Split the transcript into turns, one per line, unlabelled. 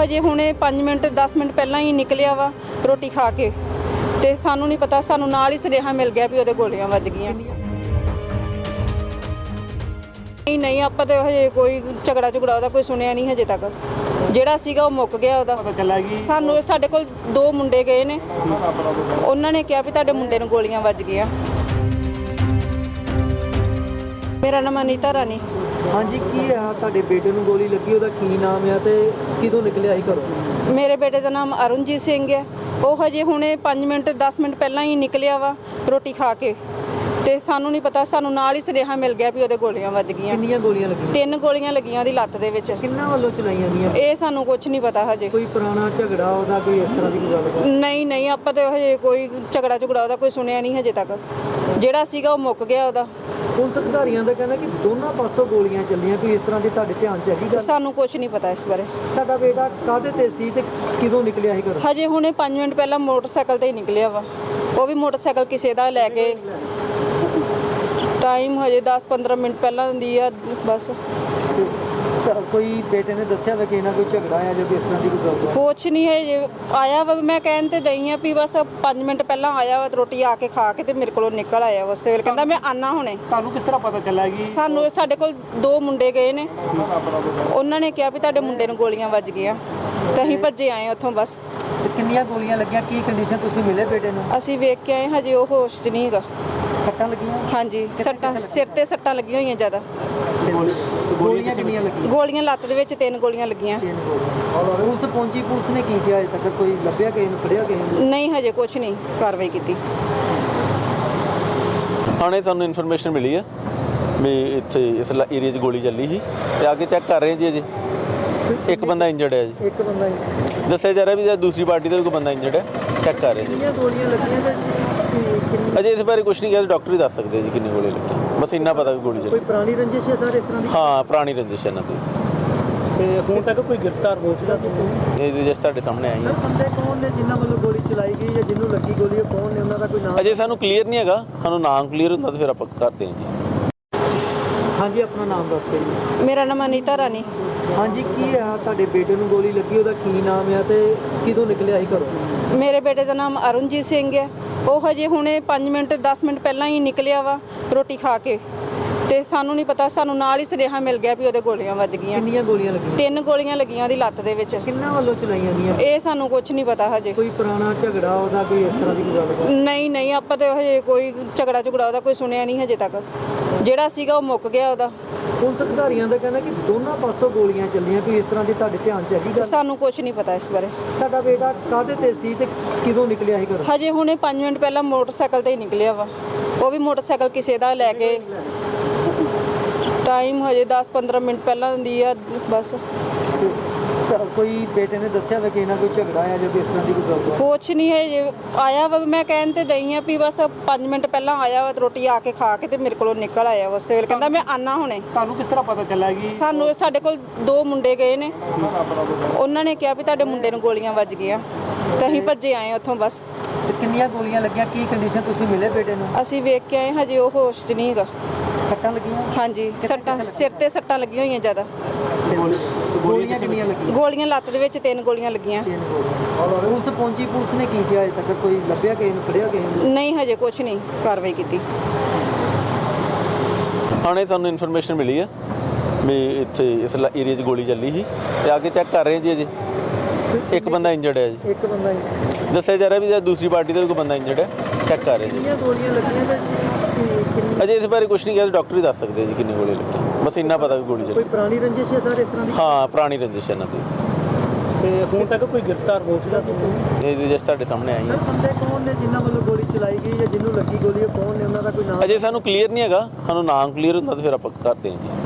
ਹਜੇ ਹੁਣੇ 5 minute 10 minute ਪਹਿਲਾਂ ਹੀ ਨਿਕਲਿਆ ਵਾ ਰੋਟੀ ਖਾ ਕੇ, ਤੇ ਸਾਨੂੰ ਨਹੀਂ ਪਤਾ, ਸਾਨੂੰ ਨਾਲ ਹੀ ਸੁਨੇਹਾ ਮਿਲ ਗਿਆ ਵੀ ਉਹਦੇ ਗੋਲੀਆਂ ਵੱਜ ਗਈਆਂ। ਨਹੀਂ ਆਪਾਂ ਤਾਂ ਹਜੇ ਕੋਈ ਝਗੜਾ ਉਹਦਾ ਕੋਈ ਸੁਣਿਆ ਨਹੀਂ ਹਜੇ ਤੱਕ। ਜਿਹੜਾ ਸੀਗਾ ਉਹ ਮੁੱਕ ਗਿਆ ਉਹਦਾ। ਸਾਨੂੰ ਸਾਡੇ ਕੋਲ 2 ਮੁੰਡੇ ਗਏ ਨੇ, ਉਹਨਾਂ ਨੇ ਕਿਹਾ ਵੀ ਤੁਹਾਡੇ ਮੁੰਡੇ ਨੂੰ ਗੋਲੀਆਂ ਵੱਜ ਗਈਆਂ। ਮੇਰਾ ਨਾਮ ਅਨੀਤਾ ਰਾਣੀ।
ਹਾਂਜੀ, ਕੀ ਆ ਤੁਹਾਡੇ ਬੇਟੇ ਨੂੰ ਗੋਲੀ ਲੱਗੀ, ਉਹਦਾ ਕੀ ਨਾਮ ਆ ਤੇ ਕਿਦੋਂ ਨਿਕਲਿਆ ਸੀ ਘਰੋਂ?
ਮੇਰੇ ਬੇਟੇ ਦਾ ਨਾਮ ਅਰੁਣਜੀਤ ਸਿੰਘ ਹੈ। ਉਹ ਹਜੇ ਹੁਣੇ 5 ਮਿੰਟ 10 ਮਿੰਟ ਪਹਿਲਾਂ ਹੀ ਨਿਕਲਿਆ ਵਾ ਰੋਟੀ ਖਾ ਕੇ, ਤੇ ਸਾਨੂੰ ਨਹੀਂ ਪਤਾ, ਸਾਨੂੰ ਨਾਲ ਹੀ ਸੁਨੇਹਾ ਮਿਲ ਗਿਆ ਵੀ ਉਹਦੇ ਗੋਲੀਆਂ ਵੱਜ ਗਈਆਂ।
ਕਿੰਨੀਆਂ ਗੋਲੀਆਂ ਲੱਗੀਆਂ?
3 ਗੋਲੀਆਂ ਲੱਗੀਆਂ ਉਹਦੀ ਲੱਤ ਦੇ ਵਿੱਚ।
ਕਿੰਨਾਂ ਵੱਲੋਂ ਚਲਾਈਆਂ ਗਈਆਂ?
ਇਹ ਸਾਨੂੰ ਕੁਝ ਨਹੀਂ ਪਤਾ ਹਜੇ।
ਕੋਈ ਪੁਰਾਣਾ ਝਗੜਾ ਉਹਦਾ, ਕੋਈ ਇਸ ਤਰ੍ਹਾਂ ਦੀ ਕੋਈ ਗੱਲ?
ਨਹੀਂ ਆਪਾਂ ਤਾਂ ਹਜੇ ਕੋਈ ਝਗੜਾ ਉਹਦਾ ਕੋਈ ਸੁਣਿਆ ਨਹੀਂ ਹਜੇ ਤੱਕ। ਜਿਹੜਾ ਸੀਗਾ ਉਹ ਮੁੱਕ ਗਿਆ ਉਹਦਾ।
ਪੁਲਿਸ ਅਧਿਕਾਰੀਆਂ ਦਾ ਕਹਿਣਾ ਕਿ ਦੋਨਾਂ ਪਾਸੋਂ ਗੋਲੀਆਂ ਚੱਲੀਆਂ, ਕੋਈ ਇਸ ਤਰ੍ਹਾਂ ਦੀ ਤੁਹਾਡੇ ਧਿਆਨ 'ਚ ਹੈਗੀ ਗੱਲ?
ਸਾਨੂੰ ਕੁਝ ਨਹੀਂ ਪਤਾ ਇਸ ਬਾਰੇ।
ਤੁਹਾਡਾ ਬੇਟਾ ਕਾਹਦੇ ਤੇ ਸੀ ਤੇ ਕਿਦੋਂ ਨਿਕਲਿਆ ਸੀ ਘਰੋਂ?
ਹਜੇ ਹੁਣੇ 5 ਮਿੰਟ ਪਹਿਲਾਂ ਮੋਟਰਸਾਈਕਲ ਤੇ ਹੀ ਨਿਕਲਿਆ ਵਾ। ਉਹ ਵੀ ਮੋਟਰਸਾਈਕਲ ਕਿਸੇ ਦਾ ਲੈ ਕੇ। ਟਾਈਮ ਹਜੇ 10-15 ਮਿੰਟ ਪਹਿਲਾਂ ਦੀ ਆ ਬਸ।
ਕੋਈ ਬੇਟੇ ਨੇ ਦੱਸਿਆ ਵਾ ਕਿ ਇਹਨਾਂ ਕੋਈ ਝਗੜਾ ਆ ਜਾਂ ਇਸ ਤਰ੍ਹਾਂ ਦੀ ਕੋਈ ਗੱਲ?
ਕੁਛ ਨਹੀਂ ਹੈ ਜੇ ਆਇਆ ਵਾ। ਮੈਂ ਕਹਿਣ ਤੇ ਰਹੀ ਹਾਂ ਵੀ ਬਸ 5 ਮਿੰਟ ਪਹਿਲਾਂ ਆਇਆ ਵਾ, ਰੋਟੀ ਆ ਕੇ ਖਾ ਕੇ ਤੇ ਮੇਰੇ ਕੋਲੋਂ ਨਿਕਲ ਆਇਆ ਉਸੇ ਵੇਲੇ। ਕਹਿੰਦਾ ਮੈਂ ਆਨਾ ਹੁਣੇ।
ਤੁਹਾਨੂੰ ਕਿਸ ਤਰ੍ਹਾਂ ਪਤਾ ਚੱਲਿਆ ਕਿ?
ਸਾਡੇ ਕੋਲ 2 ਮੁੰਡੇ ਗਏ ਨੇ, ਉਹਨਾਂ ਨੇ ਕਿਹਾ ਵੀ ਤੁਹਾਡੇ ਮੁੰਡੇ ਨੂੰ ਗੋਲੀਆਂ ਵੱਜ ਗਈਆਂ, ਤੇ ਅਸੀਂ ਭੱਜੇ ਆਏ ਉੱਥੋਂ ਬਸ।
ਤੇ ਕਿੰਨੀਆਂ ਗੋਲੀਆਂ ਲੱਗੀਆਂ, ਕੀ ਕੰਡੀਸ਼ਨ? ਤੁਸੀਂ ਮਿਲੇ ਬੇਟੇ ਨੂੰ?
ਅਸੀਂ ਵੇਖ ਕੇ ਆਏ, ਹਜੇ ਉਹ ਹੋਸ਼ 'ਚ ਨਹੀਂ ਹੈਗਾ।
ਸੱਟਾਂ ਲੱਗੀਆਂ?
ਹਾਂਜੀ, ਸੱਟਾਂ ਸਿਰ ਤੇ ਸੱਟਾਂ ਲੱਗੀਆਂ ਹੋਈਆਂ ਜ਼ਿਆਦਾ।
ਗੋਲੀਆਂ ਕਿੰਨੀਆਂ ਲੱਗੀਆਂ?
ਗੋਲੀਆਂ ਲੱਤ ਦੇ ਵਿੱਚ 3 ਗੋਲੀਆਂ ਲੱਗੀਆਂ।
ਪੁਲਿਸ ਪਹੁੰਚੀ, ਪੁਲਿਸ ਨੇ ਕੀ ਕੀਤਾ ਅਜੇ ਤੱਕ? ਕੋਈ ਲੱਭਿਆ ਕਿਸੇ ਨੂੰ, ਫੜਿਆ ਕਿਸੇ ਨੂੰ?
ਨਹੀਂ ਹਜੇ ਕੁਛ ਨਹੀਂ ਕਾਰਵਾਈ ਕੀਤੀ।
ਥਾਣੇ ਸਾਨੂੰ ਇਨਫੋਰਮੇਸ਼ਨ ਮਿਲੀ ਹੈ ਵੀ ਇੱਥੇ ਇਸ ਏਰੀਆ 'ਚ ਗੋਲੀ ਚੱਲੀ ਸੀ, ਤੇ ਆ ਕੇ ਚੈੱਕ ਕਰ ਰਹੇ ਜੀ। ਅਜੇ ਇੱਕ ਬੰਦਾ ਇੰਜਰਡ ਹੈ ਜੀ।
ਇੱਕ ਬੰਦਾ ਹੀ
ਦੱਸਿਆ ਜਾ ਰਿਹਾ ਵੀ ਦੂਸਰੀ ਪਾਰਟੀ ਦਾ ਵੀ ਕੋਈ ਬੰਦਾ ਇੰਜਰਡ ਹੈ, ਚੈੱਕ ਕਰ ਰਹੇ ਜੀ।
ਕਿੰਨੀਆਂ ਗੋਲੀਆਂ ਲੱਗੀਆਂ ਤੇ
ਅਜੇ ਇਸ ਬਾਰੇ ਕੁਝ ਨਹੀਂ ਕਿਹਾ, ਡਾਕਟਰ ਹੀ ਦੱਸ ਸਕਦੇ ਜੀ ਕਿੰਨੀ ਗੋਲੀ ਲੱਗੀ। ਬਸ ਇੰਨਾ ਪਤਾ ਵੀ ਗੋਲੀ ਚੱਲੀ।
ਕੋਈ ਪੁਰਾਣੀ ਰੰਜਿਸ਼ ਹੈ ਸਰ ਇਸ ਤਰ੍ਹਾਂ ਦੀ?
ਹਾਂ, ਪੁਰਾਣੀ ਰੰਜਿਸ਼ ਇਹਨਾਂ ਦੀ।
ਤੇ ਹੁਣ ਤੱਕ ਕੋਈ ਗ੍ਰਿਫਤਾਰ ਹੋ ਚੁੱਕਾ?
ਇਹ ਜਿਸ ਤੁਹਾਡੇ ਸਾਹਮਣੇ ਆਈ ਹੈ।
ਬੰਦੇ ਕੌਣ ਨੇ ਜਿਨ੍ਹਾਂ ਵੱਲੋਂ ਗੋਲੀ ਚਲਾਈ ਗਈ ਜਾਂ ਜਿਹਨੂੰ ਲੱਗੀ ਗੋਲੀ, ਉਹ ਕੌਣ ਨੇ, ਉਹਨਾਂ ਦਾ ਕੋਈ ਨਾਮ?
ਅਜੇ ਸਾਨੂੰ ਕਲੀਅਰ ਨਹੀਂ ਹੈਗਾ, ਸਾਨੂੰ ਨਾਮ ਕਲੀਅਰ ਹੁੰਦਾ ਤਾਂ ਫਿਰ ਆਪਾਂ ਕਰਦੇ ਹਾਂ ਜੀ।
ਹਾਂਜੀ, ਆਪਣਾ ਨਾਮ ਦੱਸ ਕੇ ਜੀ।
ਮੇਰਾ ਨਾਮ ਅਨੀਤਾ ਰਾਣੀ।
ਹਾਂਜੀ, ਕੀ ਆ ਤੁਹਾਡੇ ਬੇਟੇ ਨੂੰ ਗੋਲੀ ਲੱਗੀ, ਉਹਦਾ ਕੀ ਨਾਮ ਆ ਤੇ ਕਿਦੋਂ ਨਿਕਲਿਆ ਸੀ ਘਰੋਂ?
ਮੇਰੇ ਬੇਟੇ ਦਾ ਨਾਮ ਅਰੁਣਜੀਤ ਸਿੰਘ ਹੈ। ਉਹ ਹਜੇ ਹੁਣੇ 5 ਮਿੰਟ 10 ਮਿੰਟ ਪਹਿਲਾਂ ਹੀ ਨਿਕਲਿਆ ਵਾ ਰੋਟੀ ਖਾ ਕੇ, ਤੇ ਸਾਨੂੰ ਨਹੀਂ ਪਤਾ, ਸਾਨੂੰ ਨਾਲ ਹੀ ਸੁਨੇਹਾ ਮਿਲ ਗਿਆ ਵੀ ਉਹਦੇ ਗੋਲੀਆਂ ਵੱਜ ਗਈਆਂ।
ਕਿੰਨੀਆਂ ਗੋਲੀਆਂ ਲੱਗੀਆਂ?
3 ਗੋਲੀਆਂ ਲੱਗੀਆਂ ਉਹਦੀ ਲੱਤ ਦੇ ਵਿੱਚ।
ਕਿੰਨਾਂ ਵੱਲੋਂ ਚਲਾਈਆਂ ਗਈਆਂ?
ਇਹ ਸਾਨੂੰ ਕੁਝ ਨਹੀਂ ਪਤਾ ਹਜੇ।
ਕੋਈ ਪੁਰਾਣਾ ਝਗੜਾ ਉਹਦਾ, ਕੋਈ ਇਸ ਤਰ੍ਹਾਂ ਦੀ ਕੋਈ ਗੱਲ?
ਨਹੀਂ ਆਪਾਂ ਤਾਂ ਹਜੇ ਕੋਈ ਝਗੜਾ ਉਹਦਾ ਕੋਈ ਸੁਣਿਆ ਨਹੀਂ ਹਜੇ ਤੱਕ। ਜਿਹੜਾ ਸੀਗਾ ਉਹ ਮੁੱਕ ਗਿਆ ਉਹਦਾ।
ਪੁਲਿਸ ਅਧਿਕਾਰੀਆਂ ਦਾ ਕਹਿਣਾ ਕਿ ਦੋਨਾਂ ਪਾਸੋਂ ਗੋਲੀਆਂ ਚੱਲੀਆਂ, ਕੋਈ ਇਸ ਤਰ੍ਹਾਂ ਦੀ ਤੁਹਾਡੇ ਧਿਆਨ 'ਚ ਹੈਗੀ ਗੱਲ?
ਸਾਨੂੰ ਕੁਝ ਨਹੀਂ ਪਤਾ ਇਸ ਬਾਰੇ।
ਤੁਹਾਡਾ ਬੇਟਾ ਕਾਹਦੇ ਤੇ ਸੀ ਤੇ ਕਿਦੋਂ ਨਿਕਲਿਆ ਸੀ ਘਰੋਂ?
ਹਜੇ ਹੁਣੇ 5 ਮਿੰਟ ਪਹਿਲਾਂ ਮੋਟਰਸਾਈਕਲ ਤੇ ਹੀ ਨਿਕਲਿਆ ਵਾ। ਉਹ ਵੀ ਮੋਟਰਸਾਈਕਲ ਕਿਸੇ ਦਾ ਲੈ ਕੇ। ਟਾਈਮ ਹਜੇ 10-15 ਮਿੰਟ ਪਹਿਲਾਂ ਦੀ ਆ ਬਸ।
ਕੋਈ ਬੇਟੇ ਨੇ ਦੱਸਿਆ ਵਾ ਕਿ ਇਹਨਾਂ ਕੋਈ ਝਗੜਾ ਆ ਜਾਂ ਇਸ ਤਰ੍ਹਾਂ ਦੀ ਕੋਈ ਗੱਲ?
ਕੁਛ ਨਹੀਂ ਹੈ ਜੇ ਆਇਆ ਵਾ। ਮੈਂ ਕਹਿਣ ਤੇ ਰਹੀ ਹਾਂ ਵੀ ਬਸ 5 ਮਿੰਟ ਪਹਿਲਾਂ ਆਇਆ ਵਾ, ਰੋਟੀ ਆ ਕੇ ਖਾ ਕੇ ਤੇ ਮੇਰੇ ਕੋਲੋਂ ਨਿਕਲ ਆਇਆ ਉਸੇ ਵੇਲੇ। ਕਹਿੰਦਾ ਮੈਂ ਆਨਾ ਹੁਣੇ।
ਤੁਹਾਨੂੰ ਕਿਸ ਤਰ੍ਹਾਂ ਪਤਾ ਚੱਲਿਆ ਕਿ?
ਸਾਡੇ ਕੋਲ 2 ਮੁੰਡੇ ਗਏ ਨੇ, ਉਹਨਾਂ ਨੇ ਕਿਹਾ ਵੀ ਤੁਹਾਡੇ ਮੁੰਡੇ ਨੂੰ ਗੋਲੀਆਂ ਵੱਜ ਗਈਆਂ, ਤੇ ਅਸੀਂ ਭੱਜੇ ਆਏ ਉੱਥੋਂ ਬਸ।
ਤੇ ਕਿੰਨੀਆਂ ਗੋਲੀਆਂ ਲੱਗੀਆਂ, ਕੀ ਕੰਡੀਸ਼ਨ? ਤੁਸੀਂ ਮਿਲੇ ਬੇਟੇ ਨੂੰ?
ਅਸੀਂ ਵੇਖ ਕੇ ਆਏ, ਹਜੇ ਉਹ ਹੋਸ਼ 'ਚ ਨਹੀਂ ਹੈਗਾ।
ਸੱਟਾਂ ਲੱਗੀਆਂ?
ਹਾਂਜੀ, ਸੱਟਾਂ ਸਿਰ ਤੇ ਸੱਟਾਂ ਲੱਗੀਆਂ ਹੋਈਆਂ ਜ਼ਿਆਦਾ।
ਗੋਲੀਆਂ ਕਿੰਨੀਆਂ ਲੱਗੀਆਂ?
ਗੋਲੀਆਂ ਲੱਤ ਦੇ ਵਿੱਚ 3 ਗੋਲੀਆਂ ਲੱਗੀਆਂ।
ਪੁਲਿਸ ਪਹੁੰਚੀ, ਪੁਲਿਸ ਨੇ ਕੀ ਕੀਤਾ ਅਜੇ ਤੱਕ? ਕੋਈ ਲੱਭਿਆ ਕਿਸੇ ਨੂੰ, ਫੜਿਆ ਕਿਸੇ ਨੂੰ?
ਨਹੀਂ ਹਜੇ ਕੁਛ ਨਹੀਂ ਕਾਰਵਾਈ ਕੀਤੀ।
ਥਾਣੇ ਸਾਨੂੰ ਇਨਫੋਰਮੇਸ਼ਨ ਮਿਲੀ ਹੈ ਵੀ ਇੱਥੇ ਇਸ ਏਰੀਆ 'ਚ ਗੋਲੀ ਚੱਲੀ ਸੀ, ਤੇ ਆ ਕੇ ਚੈੱਕ ਕਰ ਰਹੇ ਜੀ। ਅਜੇ ਇੱਕ ਬੰਦਾ ਇੰਜਰਡ ਹੈ ਜੀ।
ਇੱਕ ਬੰਦਾ ਹੀ?
ਦੱਸਿਆ ਜਾ ਰਿਹਾ ਵੀ ਦੂਸਰੀ ਪਾਰਟੀ ਦਾ ਵੀ ਕੋਈ ਬੰਦਾ ਇੰਜਰਡ ਹੈ, ਚੈੱਕ ਕਰ ਰਹੇ ਜੀ।
ਕਿੰਨੀਆਂ ਗੋਲੀਆਂ ਲੱਗੀਆਂ ਤੇ
ਅਜੇ ਇਸ ਬਾਰੇ ਕੁਝ ਨਹੀਂ ਕਿਹਾ, ਡਾਕਟਰ ਹੀ ਦੱਸ ਸਕਦੇ ਜੀ ਕਿੰਨੀ ਗੋਲੀ ਲੱਗੀ। ਬਸ ਇੰਨਾ ਪਤਾ ਵੀ ਗੋਲੀ
ਕੋਈ
ਚੱਲੀ।
ਪੁਰਾਣੀ ਰੰਜਿਸ਼ ਹੈ ਸਰ ਇਸ ਤਰ੍ਹਾਂ ਦੀ?
ਹਾਂ, ਪੁਰਾਣੀ ਰੰਜਿਸ਼ ਇਹਨਾਂ ਦੀ।
ਤੇ ਹੁਣ ਤੱਕ ਕੋਈ ਗ੍ਰਿਫਤਾਰ ਹੋ ਚੁੱਕਾ?
ਇਹ ਜਿਸ ਤੁਹਾਡੇ ਸਾਹਮਣੇ ਆਈ ਹੈ।
ਸਰ, ਬੰਦੇ ਕੌਣ ਨੇ ਜਿਨ੍ਹਾਂ ਵੱਲੋਂ ਗੋਲੀ ਚਲਾਈ ਗਈ ਜਾਂ ਜਿਹਨੂੰ ਲੱਗੀ ਗੋਲੀ, ਉਹ ਕੌਣ ਨੇ, ਉਹਨਾਂ ਦਾ ਕੋਈ ਨਾਮ?
ਅਜੇ ਸਾਨੂੰ ਕਲੀਅਰ ਨਹੀਂ ਹੈਗਾ, ਸਾਨੂੰ ਨਾਮ ਕਲੀਅਰ ਹੁੰਦਾ ਤਾਂ ਫਿਰ ਆਪਾਂ ਕਰਦੇ ਹਾਂ ਜੀ।